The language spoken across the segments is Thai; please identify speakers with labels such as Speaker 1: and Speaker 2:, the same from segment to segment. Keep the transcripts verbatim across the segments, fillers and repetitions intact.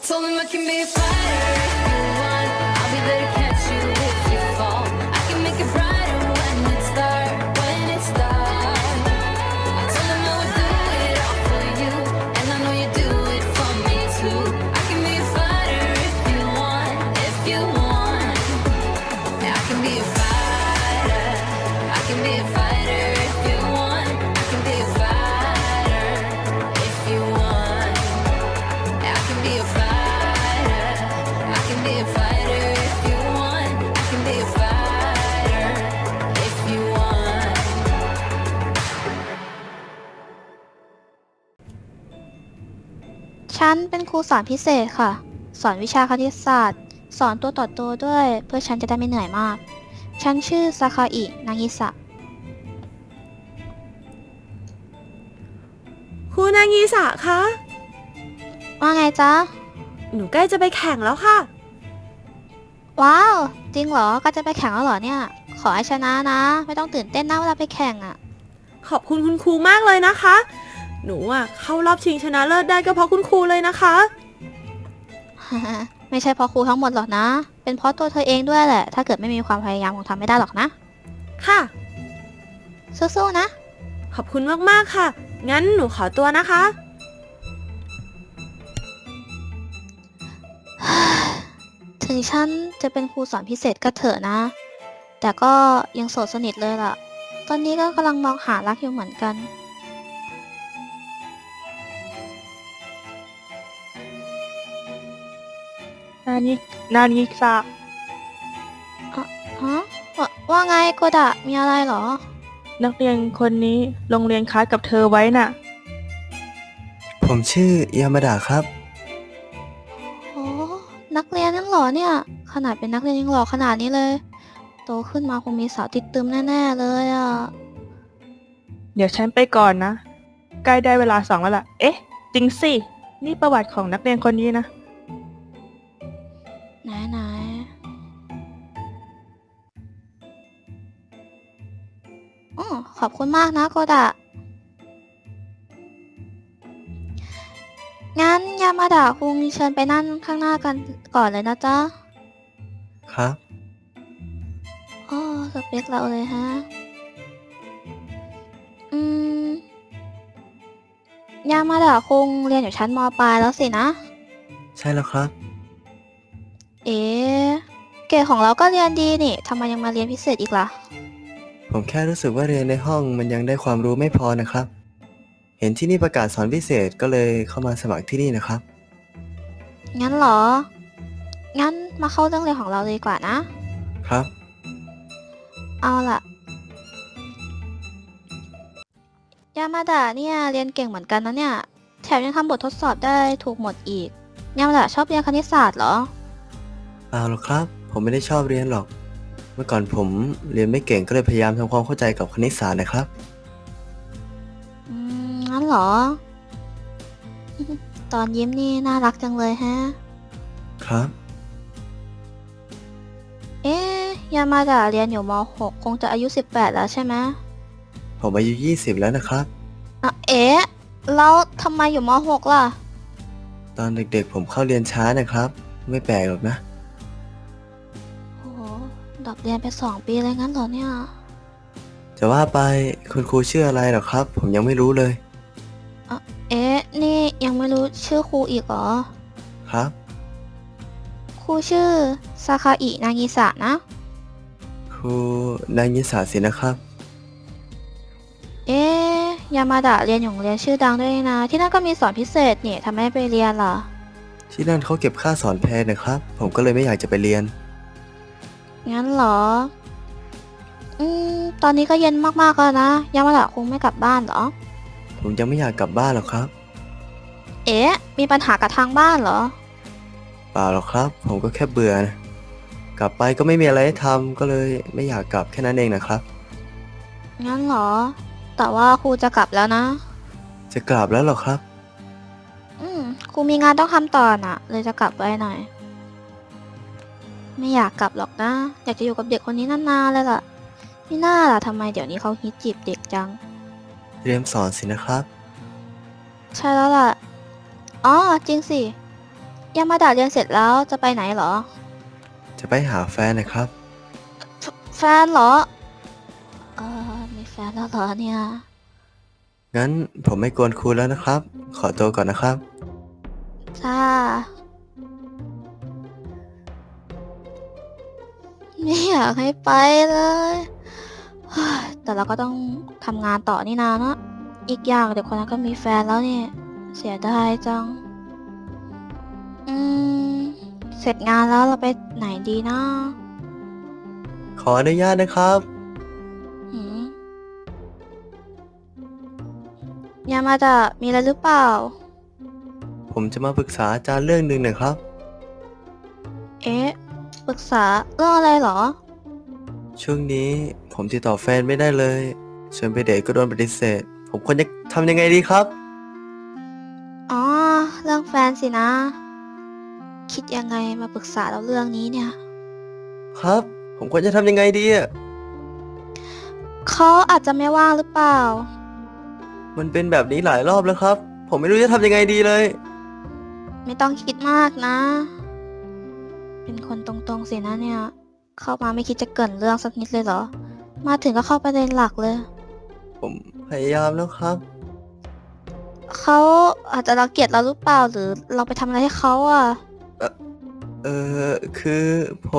Speaker 1: told him I can be a fighter if you want. I'll be there to catch you if you fall. I can make it brighter when it's dark, when it's dark. I told him I would do it all for you, and I know you do it for me too. I can be a fighter if you want, if you want. Yeah, I can be a fighter. I can be a fighter if you want. I can be a fighter if you want. Yeah, I can be a fighter. I can be a fighter if you want. I can be a fighter if you want.
Speaker 2: ฉันเป็นครูสอนพิเศษค่ะ สอนวิชาคณิตศาสตร์ สอนตัวต่อตัวด้วย เพื่อฉันจะได้ไม่เหนื่อยมาก ฉันชื่อซาคาอิ นางิสะ
Speaker 3: ครูนางีสะคะ
Speaker 2: ว่าไงจ๊ะ
Speaker 3: หนูใกล้จะไปแข่งแล้วค่ะ
Speaker 2: ว้าว จริงเหรอ ก็จะไปแข่งแล้วเหรอเนี่ย ขอให้ชนะนะ ไม่ต้องตื่นเต้นนะเวลาไปแข่งอะ
Speaker 3: ขอบคุณคุณครูมากเลยนะคะ หนูอ่ะเข้ารอบชิงชนะเลิศได้ก็เพราะคุณครูเลยนะคะ
Speaker 2: ไม่ใช่เพราะครูทั้งหมดหรอกนะ เป็นเพราะตัวเธอเองด้วยแหละ ถ้าเกิดไม่มีความพยายามคงทำไม่ได้หรอกนะ
Speaker 3: ค่ะ
Speaker 2: สู้ๆนะ
Speaker 3: ขอบคุณมากๆค่ะ งั้นหนูขอตัวนะคะ
Speaker 2: ถึงฉันจะเป็นครูสอนพิเศษก็เถอะนะ แต่ก็ยังโสดสนิทเลยล่ะ ตอนนี้ก็กำลังมองหารักอยู่เหมือนกัน
Speaker 4: นานินานิสะ
Speaker 2: ฮะวาว่าไงโกดะ มีอะไรเหรอ
Speaker 4: นักเรียนคนนี้โรงเรียนค้ากับเธอไว้น่ะ
Speaker 5: ผมชื่อยามาดะครับ
Speaker 2: โอ้นักเรียนนั่นเหรอเนี่ย ขนาดเป็นนักเรียนยังหล่อขนาดนี้เลย โตขึ้นมาคงมีสาวติดตึมแน่ๆเลยอ่ะ
Speaker 4: เดี๋ยวฉันไปก่อนนะ ใกล้ได้เวลาสองแล้วล่ะ เอ๊ะ จริงสิ นี่ประวัติของนักเรียนคนนี้นะ
Speaker 2: ไหนไหนอ๋อขอบคุณมากนะโกดะ งั้นยามาดะคุงเชิญไปนั่งข้างหน้ากันก่อนเลยนะจ๊ะ
Speaker 5: ครับ
Speaker 2: อ๋อสเปคเราเลยฮะ อืม ยามาดะคุงเรียนอยู่ชั้นมปลายแล้วสินะ
Speaker 5: ใช่แล้วครับ
Speaker 2: เอ๊ะเกรดของเราก็เรียนดีนี่ ทำไมยังมาเรียนพิเศษอีกล่ะ
Speaker 5: ผมแค่รู้สึกว่าเรียนในห้องมันยังได้ความรู้ไม่พอนะครับ เห็นที่นี่ประกาศสอนพิเศษก็เลยเข้ามาสมัครที่นี่นะครับ
Speaker 2: งั้นเหรอ งั้นมาเข้าเรื่องเรียนของเราเลยดีกว่านะ
Speaker 5: ครับ
Speaker 2: เอาล่ะ ยามาดะเนี่ยเรียนเก่งเหมือนกันนะเนี่ย แถมยังทำบททดสอบได้ถูกหมดอีก ยามาดะชอบเรียนคณิตศาสตร์เหรอ
Speaker 5: เปล่าหรอกครับ ผมไม่ได้ชอบเรียนหรอก เมื่อก่อนผมเรียนไม่เก่งก็เลยพยายามทำความเข้าใจกับคณิตศาสตร์นะครับ
Speaker 2: อืม งั้นเหรอ ตอนยิ้มนี่น่ารักจังเลยฮะ
Speaker 5: ครับ
Speaker 2: เอ๊ะ ยามาดะเรียนอยู่ม .หก คงจะอายุสิบแปดแล้วใช่ไหม
Speaker 5: ผมอายุยี่สิบแล้วนะครับ
Speaker 2: อ่ะเอ๊ะ แล้วทำไมอยู่ม .หก ล่ะ
Speaker 5: ตอนเด็กๆผมเข้าเรียนช้านะครับ ไม่แปลกหรอกนะ
Speaker 2: โอ้โหดรอปเรียนไปสองปีเลยงั้นเหรอเนี่ย
Speaker 5: จะว่าไปคุณครูชื่ออะไรหรอครับ ผมยังไม่รู้เลย
Speaker 2: เอ๊ะ นี่ยังไม่รู้ชื่อครูอีกเหรอ
Speaker 5: ครับ
Speaker 2: ครูชื่อซาคาอิ นางิสะนะ
Speaker 5: ครูนายยิสาสินะครับ
Speaker 2: เอ๊ะ ยามาดะเรียนอยู่โรงเรียนชื่อดังด้วยนะ ที่นั่นก็มีสอนพิเศษนี่ทำไมไม่ไปเรียนล่ะ
Speaker 5: ที่นั่นเขาเก็บค่าสอนแพงนะครับ ผมก็เลยไม่อยากจะไปเรียน
Speaker 2: งั้นเหรอ อืม ตอนนี้ก็เย็นมากๆแล้วนะ ยามาดะคงไม่กลับบ้านเหรอ
Speaker 5: ผมยังไม่อยากกลับบ้านหรอกครับ
Speaker 2: เอ๊ะ มีปัญหากับทางบ้านเหรอ
Speaker 5: เปล่าหรอกครับ ผมก็แค่เบื่อนะกลับไปก็ไม่มีอะไรให้ทำก็เลยไม่อยากกลับแค่นั้นเองนะครับ
Speaker 2: งั้นเหรอ แต่ว่าครูจะกลับแล้วนะ
Speaker 5: จะกลับแล้วหรอครับ
Speaker 2: อืม ครูมีงานต้องทำต่อน่ะ เลยจะกลับไว้หน่อย ไม่อยากกลับหรอกนะ อยากจะอยู่กับเด็กคนนี้นานๆเลยล่ะไม่น่าล่ะทำไมเดี๋ยวนี้เขาฮิตจีบเด็กจัง
Speaker 5: เตรียมสอนสินะครับ
Speaker 2: ใช่แล้วล่ะ อ๋อ จริงสิยามาดะเรียนเสร็จแล้วจะไปไหนเหรอ
Speaker 5: จะไปหาแฟนนะครับ
Speaker 2: แฟแฟนเหรอ เออมีแฟนแล้วเหรอเนี่ย
Speaker 5: งั้นผมไม่กวนครูแล้วนะครับ ขอตัวก่อนนะครับ
Speaker 2: จ้า ไม่อยากให้ไปเลยเฮ้ยแต่เราก็ต้องทำงานต่อนี่นาเนอะอีกอย่างเด็กคนนั้นก็มีแฟนแล้วเนี่ย เสียดายจัง อืม เสร็จงานแล้วเราไปไหนดีนะ
Speaker 5: ขออนุญาตนะครับ
Speaker 2: หืมยามาดะมีอะไรหรือเปล่า
Speaker 5: ผมจะมาปรึกษาอาจารย์เรื่องหนึ่งนะครับ
Speaker 2: เอ๊ะ ปรึกษาเรื่องอะไรเหรอ
Speaker 5: ช่วงนี้ผมติดต่อแฟนไม่ได้เลยชวนไปเดทก็โดนปฏิเสธ ผมควรจะทำยังไงดีครับ
Speaker 2: อ๋อ เรื่องแฟนสินะ คิดยังไงมาปรึกษาเราเรื่องนี้เนี่ย
Speaker 5: ครับ ผมควรจะทำยังไงดีอะ
Speaker 2: เขาอาจจะไม่ว่างหรือเปล่า
Speaker 5: มันเป็นแบบนี้หลายรอบแล้วครับ ผมไม่รู้จะทำยังไงดีเลย
Speaker 2: ไม่ต้องคิดมากนะ เป็นคนตรงๆสินะเนี่ย เข้ามาไม่คิดจะเกรินเรื่องสักนิดเลยเหรอ มาถึงก็เข้าประเด็นหลักเลย
Speaker 5: ผมพยายามแล้วครับ
Speaker 2: เขาอาจจะรังเกียจเราหรือเปล่า หรือเราไปทำอะไรให้เขาอ่ะ
Speaker 5: เออคือผม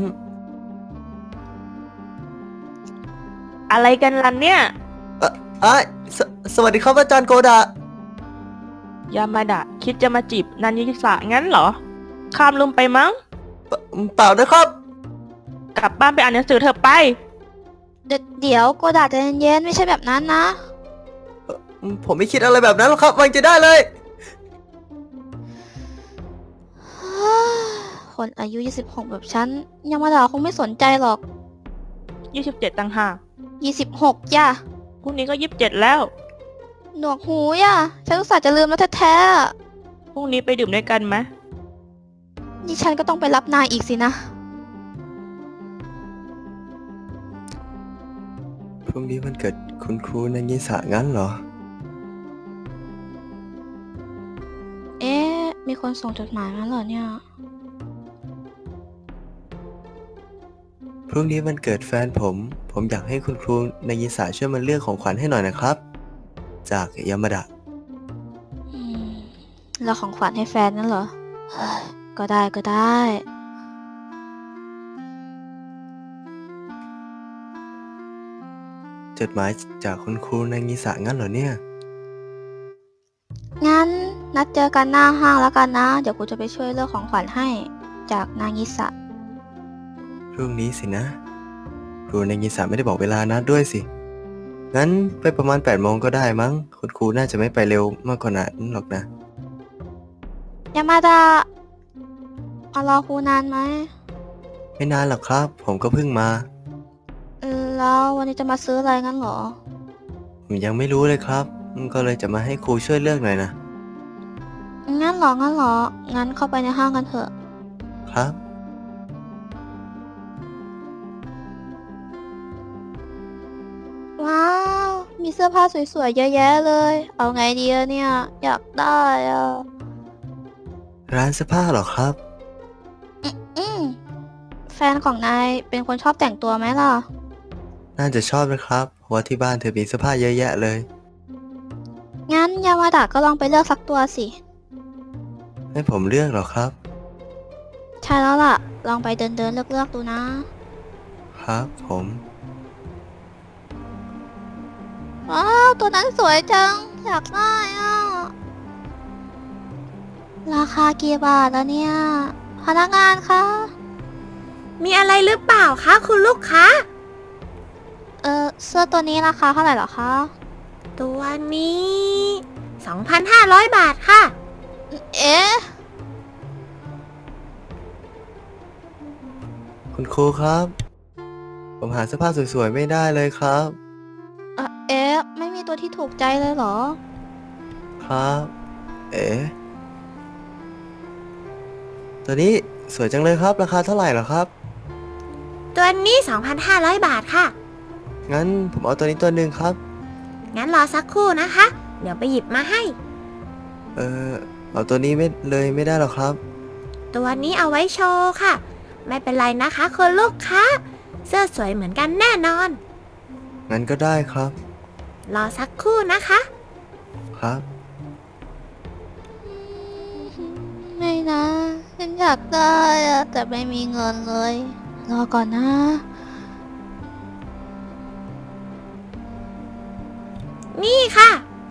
Speaker 4: อะไรกันล่ะเนี่ย
Speaker 5: เอ่ออ่ะสสวัสดีครับอาจารย์โกดะ
Speaker 4: ยามาดะคิดจะมาจีบนันยิสะงั้นเหรอ ข้ามลืมไปมั้ง
Speaker 5: เปเปล่านะครับ
Speaker 4: กลับบ้านไปอ่านหนังสือเถอะไป
Speaker 2: เดี๋ยวเดี๋ยวโกดาใจเย็นๆไม่ใช่แบบนั้นนะ
Speaker 5: ผมไม่คิดอะไรแบบนั้นหรอกครับวางใจได้เลย
Speaker 2: คนอายุ ยี่สิบหก แบบฉันยังมาด่าคงไม่สนใจหรอก
Speaker 4: ยี่สิบเจ็ดต่างหาก
Speaker 2: ยี่สิบหก ย่ะ
Speaker 4: พรุ่งนี้ก็ยี่สิบเจ็ดแล้ว
Speaker 2: หนวกหูย่ะ ฉันอุตส่าห์จะลืมแล้วแท้ๆอะ
Speaker 4: พรุ่งนี้ไปดื่มด้วยกันไหม
Speaker 2: นี่ฉันก็ต้องไปรับนายอีกสินะ
Speaker 5: พรุ่งนี้วันเกิดคุณครูนางิสะงั้นเหรอ
Speaker 2: เอ๊ะ มีคนส่งจดหมายมาเหรอเนี่ย
Speaker 5: พรุ่งนี้วันเกิดแฟนผม ผมอยากให้คุณครูนางิสะช่วยมาเลือกของขวัญให้หน่อยนะครับ จากยามาดะ
Speaker 2: อืม แล้วของขวัญให้แฟนนั่นเหรอเฮ้ยก็ได้ก็ได้
Speaker 5: จดหมายจากคุณครูนางิสะงั้นเหรอเนี่ย
Speaker 2: งั้นนัดเจอกันหน้าห้างแล้วกันนะ เดี๋ยวกูจะไปช่วยเลือกของขวัญให้จากนางิสะ
Speaker 5: พรุ่งนี้สินะ ครูนางิสะไม่ได้บอกเวลานัดด้วยสิ งั้นไปประมาณแปดโมงก็ได้มั้ง คุณครูน่าจะไม่ไปเร็วมากกว่านั้นหรอกนะ
Speaker 2: ยามาดะมารอครูนานไหม
Speaker 5: ไม่นานหรอกครับ ผมก็เพิ่งมา
Speaker 2: เออแล้ววันนี้จะมาซื้ออะไรงั้นเหรอ
Speaker 5: ผมยังไม่รู้เลยครับ ก็เลยจะมาให้ครูช่วยเลือกหน่อยนะ
Speaker 2: งั้นเหรอ งั้นเหรอ งั้นเข้าไปในห้างกันเถอะ
Speaker 5: ครับ
Speaker 2: ว้าว มีเสื้อผ้าสวยๆ เยอะแยะเลย เอาไงดีอะเนี่ย อยากได้อะ
Speaker 5: ร้านเสื้อผ้าเหรอครับ
Speaker 2: อืม แฟนของนายเป็นคนชอบแต่งตัวไหมล่ะ
Speaker 5: น่าจะชอบนะครับ เพราะว่าที่บ้านเธอมีเสื้อผ้าเยอะแยะเลย
Speaker 2: งั้นยามาดะก็ลองไปเลือกสักตัวสิ
Speaker 5: ให้ผมเลือกเหรอครับ
Speaker 2: ใช่แล้วล่ะ ลองไปเดินเดินๆเลือกเลือกๆดูนะ
Speaker 5: ครับผม
Speaker 2: ว้าว ตัวนั้นสวยจัง อยากได้อ่ะ ราคากี่บาทแล้วเนี่ย พนักงานคะ
Speaker 3: มีอะไรหรือเปล่าคะคุณลูกค้า
Speaker 2: เออเสื้อตัวนี้ราคาเท่าไหร่เหรอคะ
Speaker 3: ตัวนี้ สองพันห้าร้อย บาทค่ะ
Speaker 2: เอ๊ะ
Speaker 5: คุณครูครับ ผมหาเสื้อผ้าสวยๆไม่ได้เลยครับ
Speaker 2: เอ่อเอ๊ะ ไม่มีตัวที่ถูกใจเลยเหรอ
Speaker 5: ครับ เอ๋ตัวนี้สวยจังเลยครับ ราคาเท่าไหร่เหรอครับ
Speaker 3: ตัวนี้ สองพันห้าร้อย บาทค่ะ
Speaker 5: งั้นผมเอาตัวนี้ตัวหนึ่งครับ
Speaker 3: งั้นรอสักครู่นะคะ เดี๋ยวไปหยิบมาให้
Speaker 5: เออเอาตัวนี้ไม่เลยไม่ได้หรอครับ
Speaker 6: ตัวนี้เอาไว้โชว์ค่ะ ไม่เป็นไรนะคะคุณลูกค้า เสื้อสวยเหมือนกันแน่นอน
Speaker 5: งั้นก็ได้ครับ
Speaker 6: รอสักครู่นะคะ
Speaker 5: ครับ
Speaker 2: ไม่นะ ฉันอยากได้อะแต่ไม่มีเงินเลย รอก่อนนะ
Speaker 6: นี่ค่ะ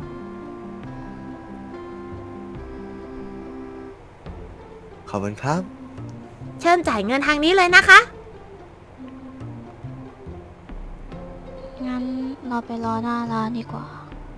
Speaker 5: ขอบคุณครับ
Speaker 6: เชิญจ่ายเงินทางนี้เลยนะคะ
Speaker 2: งั้นเราไปรอหน้าร้านดีกว่า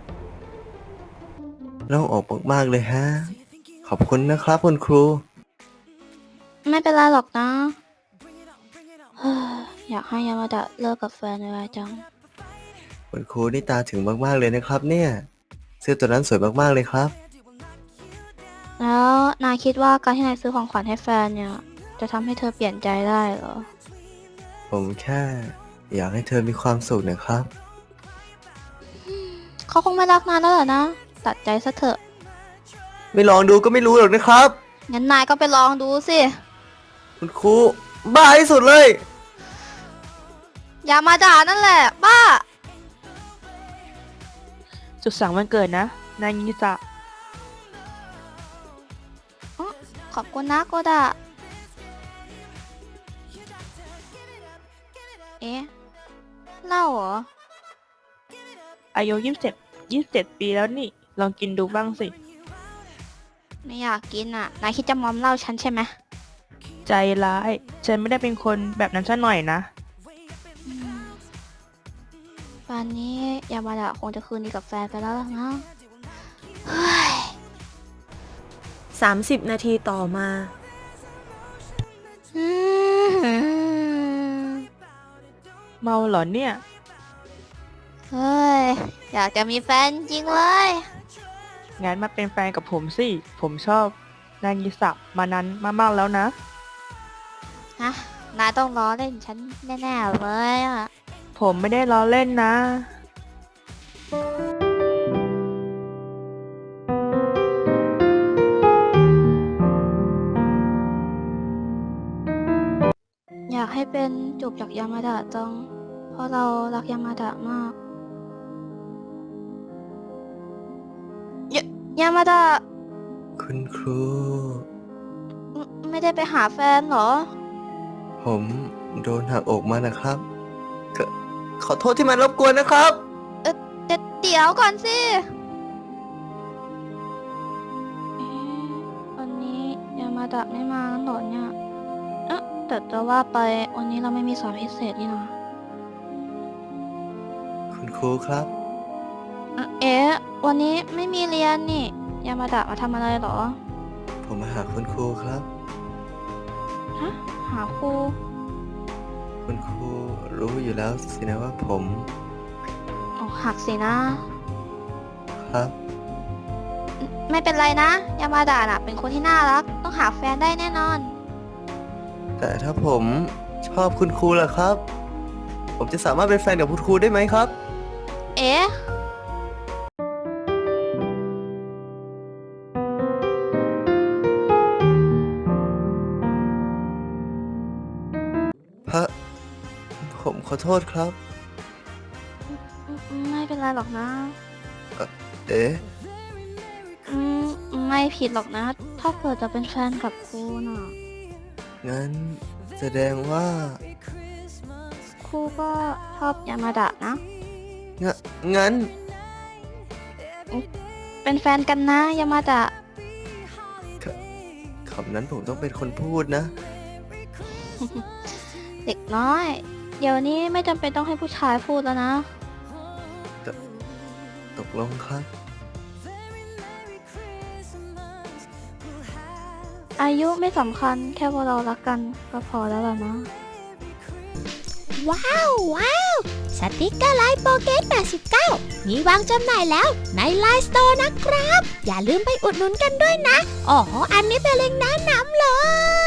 Speaker 5: เราออกมากๆเลยฮะ ขอบคุณนะครับคุณครู
Speaker 2: ไม่เป็นไรหรอกนะ เฮ้ยอยากให้ยามาดะเลิกกับแฟนไวๆจัง
Speaker 5: คุณครูนี่ตาถึงมากๆเลยนะครับเนี่ย เสื้อตัวนั้นสวยมากๆเลยครับ
Speaker 2: แล้วนายคิดว่าการที่นายซื้อของขวัญให้แฟนเนี่ย จะทำให้เธอเปลี่ยนใจได้เหรอ
Speaker 5: ผมแค่อยากให้เธอมีความสุขนะครับ
Speaker 2: เขาคงไม่รักนายแล้วเหรอนะ ตัดใจซะเถอะ
Speaker 5: ไม่ลองดูก็ไม่รู้หรอกนะครับ
Speaker 2: งั้นนายก็ไปลองดูสิ
Speaker 5: คุณครูบ้าที่สุดเลย
Speaker 2: อย่ามาด่านั่นแหละ บ้า
Speaker 4: สุดสังวันเกิดนะ นายยิสะ
Speaker 2: ขอบคุณนะโกดะ เอ๊ะเหล้าเหรอ
Speaker 4: อายุยี่สิบเจ็ด ยี่สิบเจ็ดปีแล้วนี่ ลองกินดูบ้างสิ
Speaker 2: ไม่อยากกินอ่ะ นายคิดจะมอมเหล้าฉันใช่ไหม
Speaker 4: ใจร้าย ฉันไม่ได้เป็นคนแบบนั้นซะหน่อยนะ
Speaker 2: อืมป่านนี้ยามาดะคงจะคืนดีกับแฟนไปแล้วล่ะนะเฮ้ย
Speaker 3: สามสิบ นาทีต่อมา
Speaker 2: อืม
Speaker 4: เมาเหรอเนี่ย
Speaker 2: เฮ้ย อยากจะมีแฟนจริงเลย
Speaker 4: งั้นมาเป็นแฟนกับผมสิ ผมชอบนายยิสะมานานมากๆแล้วนะ
Speaker 2: ฮะ นายต้องล้อเล่นฉันแน่ๆเลยอ่ะ
Speaker 4: ผมไม่ได้ล้อเล่นนะ
Speaker 2: อยากให้เป็นจูบจากยามาดะจัง เพราะเรารักยามาดะมากยยามาดะ
Speaker 5: คุณครู
Speaker 2: ไม่ไม่ได้ไปหาแฟนเหรอ
Speaker 5: ผมโดนหักอกมานะครับขอขอโทษที่มารบกวนนะครับ
Speaker 2: เอ่อเดเดี๋ยวก่อนสิเอ๊ะวันนี้ยามาดะไม่มาแล้วเหรอเนี่ยเอ๊ะแต่จะว่าไปวันนี้เราไม่มีสอนพิเศษนี่นะ
Speaker 5: คุณครูครับ
Speaker 2: เอ่อเอ๊ะวันนี้ไม่มีเรียนนี่ยามาดะมาทำอะไรเหรอ
Speaker 5: ผมมาหาคุณครูครับ
Speaker 2: ฮะ หาครู
Speaker 5: คุณครูรู้อยู่แล้วสินะว่าผม
Speaker 2: อกหักสินะ
Speaker 5: ครับ
Speaker 2: ไม่เป็นไรนะยามาดะน่ะเป็นคนที่น่ารัก ต้องหาแฟนได้แน่นอน
Speaker 5: แต่ถ้าผมชอบคุณครูล่ะครับ ผมจะสามารถเป็นแฟนกับคุณครูได้ไหมครับ
Speaker 2: เอ๊ะ
Speaker 5: พระ ผมขอโทษครับ
Speaker 2: ไม่เป็นไรหรอกนะ
Speaker 5: เอ๊ะ
Speaker 2: อืมไม่ผิดหรอกนะ ถ้าเกิดจะเป็นแฟนกับครูน่ะ
Speaker 5: งั้นแสดงว่า
Speaker 2: ครูก็ชอบยามาดะนะ
Speaker 5: งะงั้น
Speaker 2: เป็นแฟนกันนะยามาดะ
Speaker 5: คำนั้นผมต้องเป็นคนพูดนะ
Speaker 2: เด็กน้อย เดี๋ยวนี้ไม่จำเป็นต้องให้ผู้ชายพูดแล้วนะ
Speaker 5: ตกลงครับ
Speaker 2: อายุไม่สำคัญแค่ว่าเรารักกันก็พอแล้วล่ะนะ
Speaker 6: ว้าวว้าวสติกเกอร์ไลน์โปเกตแปดสิบเก้ามีวางจำหน่ายแล้วในไลน์สโตร์นะครับ อย่าลืมไปอุดหนุนกันด้วยนะ อ๋อ อันนี้เป็นเล็งก์แนะนำเลย